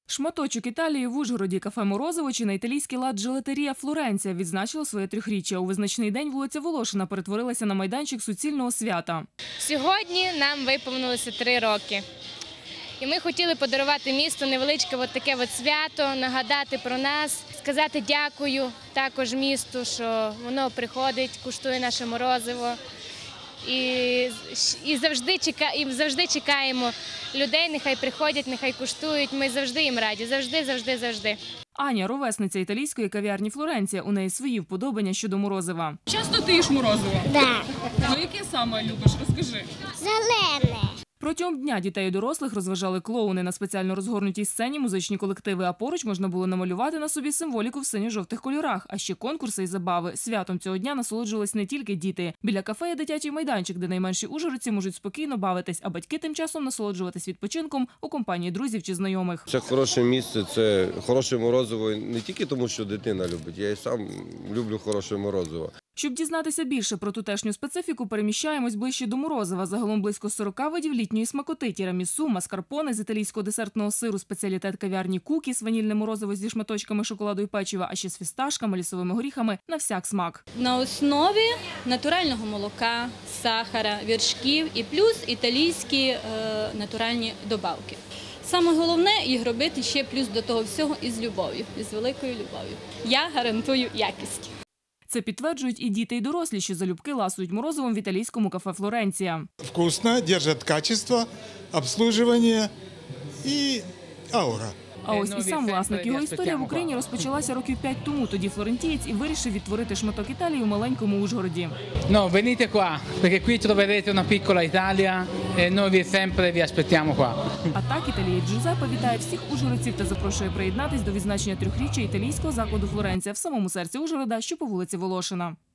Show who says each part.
Speaker 1: Шматочок Італії в Ужгороді, кафе «Морозиво» чи на італійський лад «Джелатерія Флоренція» відзначило своє 3-річчя. У визначний день вулиця Волошина перетворилася на майданчик суцільного свята.
Speaker 2: Сьогодні нам виповнилося 3 роки. І ми хотіли подарувати місту невеличке таке свято, нагадати про нас, сказати дякую також місту, що воно приходить, куштує наше морозиво. І завжди чекаємо людей, нехай приходять, нехай куштують. Ми завжди їм раді, завжди.
Speaker 1: Аня – ровесниця італійської кав'ярні «Флоренція». У неї свої вподобання щодо морозива.
Speaker 3: Часто ти їш морозиво?
Speaker 4: Да.
Speaker 3: Ну, яке саме любиш? Розкажи.
Speaker 4: Зелене.
Speaker 1: Протягом дня дітей і дорослих розважали клоуни на спеціально розгорнутій сцені, музичні колективи, а поруч можна було намалювати на собі символіку в синьо-жовтих кольорах, а ще конкурси і забави. Святом цього дня насолоджувались не тільки діти. Біля кафе є дитячий майданчик, де найменші ужгородці можуть спокійно бавитись, а батьки тим часом насолоджуватись відпочинком у компанії друзів чи знайомих.
Speaker 5: Це хороше місце, це хороше морозиво не тільки тому, що дитина любить, я і сам люблю хороше морозиво.
Speaker 1: Щоб дізнатися більше про тутешню специфіку, переміщаємось ближче до морозива. Загалом близько 40 видів літньої смакоти – тірамісу, маскарпоне з італійського десертного сиру, спеціалітет кав'ярні «Кукіс», ванільне морозиво зі шматочками шоколаду і печива, а ще з фісташками, лісовими горіхами – на всяк смак.
Speaker 6: На основі натурального молока, сахара, вершків і плюс італійські натуральні добавки. Саме головне – їх робити ще плюс до того всього із любов'ю, із великою любов'ю. Я гарантую якість.
Speaker 1: Це підтверджують і діти, і дорослі, що залюбки ласують морозивом в італійському кафе «Флоренція».
Speaker 7: Вкусно, держать качество, обслуживание і аура.
Speaker 1: А ось і сам власник. Його історія в Україні розпочалася років 5 тому. Тоді флорентієць і вирішив відтворити шматок Італії у маленькому Ужгороді.
Speaker 8: No, venite qua, perché qui troverete una piccola Italia e noi vi aspettiamo qua.
Speaker 1: А так італієць Джузеппе вітає всіх ужгородців та запрошує приєднатись до відзначення 3-річчя італійського закладу «Флоренція» в самому серці Ужгорода, що по вулиці Волошина.